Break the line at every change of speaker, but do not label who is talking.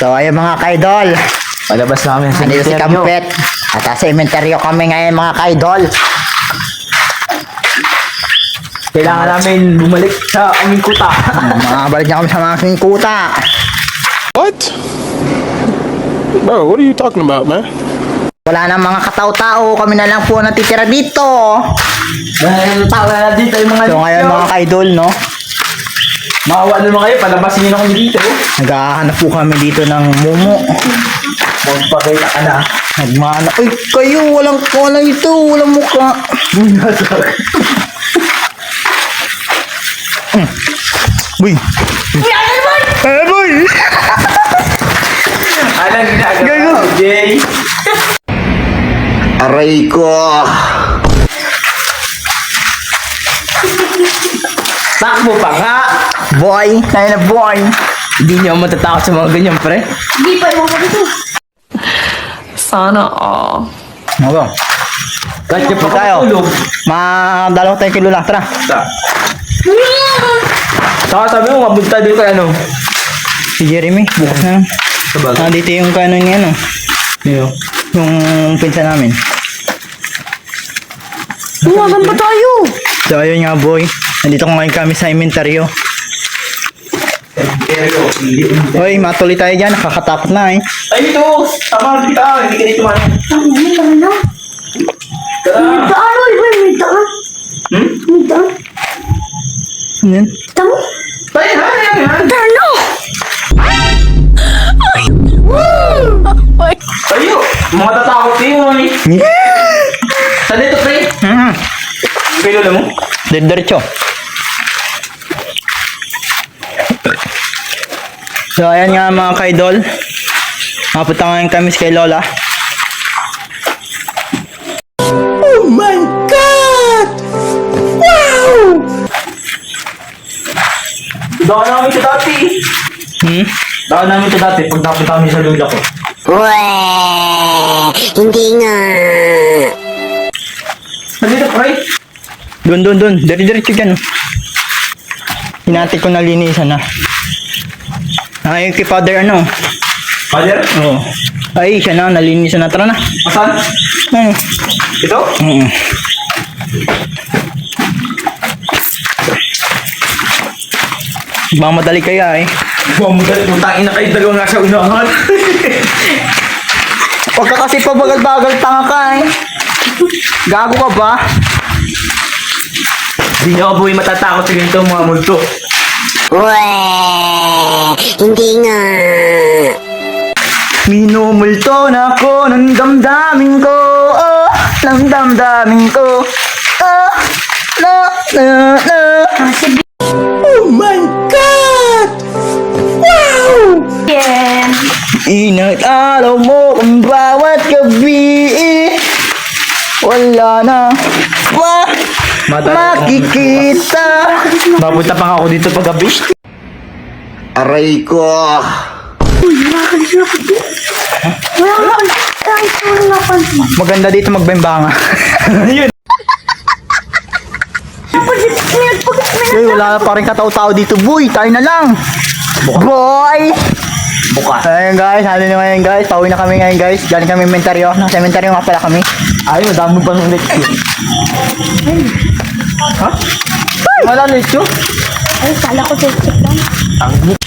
So ayun mga kaidol,
Palabas namin sa
nandito si
interview.
Kampet at sa inventaryo kami ngayon mga kaidol.
Kailangan namin bumalik sa aming kuta.
Balik na kami sa mga kuta.
What? Bro, what are you talking about, man?
Wala na mga katao-tao, kami na lang po natitira dito.
Dahil tao na dito yung mga
So ngayon mga kaidol, no,
Maawa naman kayo, palabasin nyo na kami dito.
naghahanap po kami dito ng mumu.
Magpakita ka na.
Nagmana, ay kayo, walang ito, walang mukha. Uy! Eh boy!
Alang ginagawa mo, Jay.
Aray ko!
Takbo pa nga.
Boy! Tayo na boy!
Hindi nyo matatakot sa mga ganyan, pre.
Hindi pa yung dito.
Sana all.
Ano ba?
Kahit nyo pa
Tayo.
tulog.
Madalaw tayo kilo lang, tara.
Saka sabi mo, mabunta dito kay ano.
Si Jeremy, bukas na lang.
Sabagay.
Nandito yung kanon niya, no?
Nino?
Yung pinsan namin.
Buwagan pa tayo.
So ayun nga boy, nandito ko ngayon kami sa inventaryo.
Pero, hindi.
Hoy, matuloy tayo dyan, nakakatakot na eh.
Ay, dito! Tama kita! Hindi ka dito man.
Ang dami na.
Tara!
May daan, oy, boy, may daan.
Hmm?
May daan.
Ano yan?
Tamo?
Tayo na! Yan!
Tano!
Tayo! Mga tatakot kayo eh! Saan dito, pre? Kay lola mo?
Diretso. So ayan nga mga kaidol, mapunta ngayon kami kay Lola. Oh my God! Wow!
Daan namin ito dati. Daan namin ito dati pag napunta kami sa lola ko.
Hindi nga.
Saan dito, pre?
Doon. Diretso dyan. Hinati ko na linisan na. Ay, kay Father ano?
Father?
Oo. Ay, siya na, nalinisan na. Tara na.
Asan?
Ayun.
Ito?
Mamadali kaya eh.
Buwang mo dali, putangin na kayo dalawang nasa unahan.
Huwag ka kasi pabagal-bagal, tanga ka eh. Gago ka ba?
Hindi nyo buhay matatakot sa ganito mga multo.
Hindi nga.
Minumulto na ako ng damdamin ko, oh, ng damdamin ko, oh, na. Oh my God! Wow!
Yeah.
Inag-araw mo ang bawat gabi, wala na makikita.
Mapunta pa nga ako dito pag gabi.
Aray ko!
Uy, nakakalis na ako dito. Wala ka na. Kahit wala na ako.
Maganda dito magbembanga.
Ayun.
Uy, wala pa rin katao-tao dito, boy. Tayo na lang. Boy!
Bukas.
Ayun guys, ano na ngayon guys. Pauwi na kami ngayon guys. Galing kami inventaryo. Nasa inventaryo nga pala kami.
Ay, madami pa nung lecture. Ha? Wala lecture?
Ay, kala ko check lang.
Ang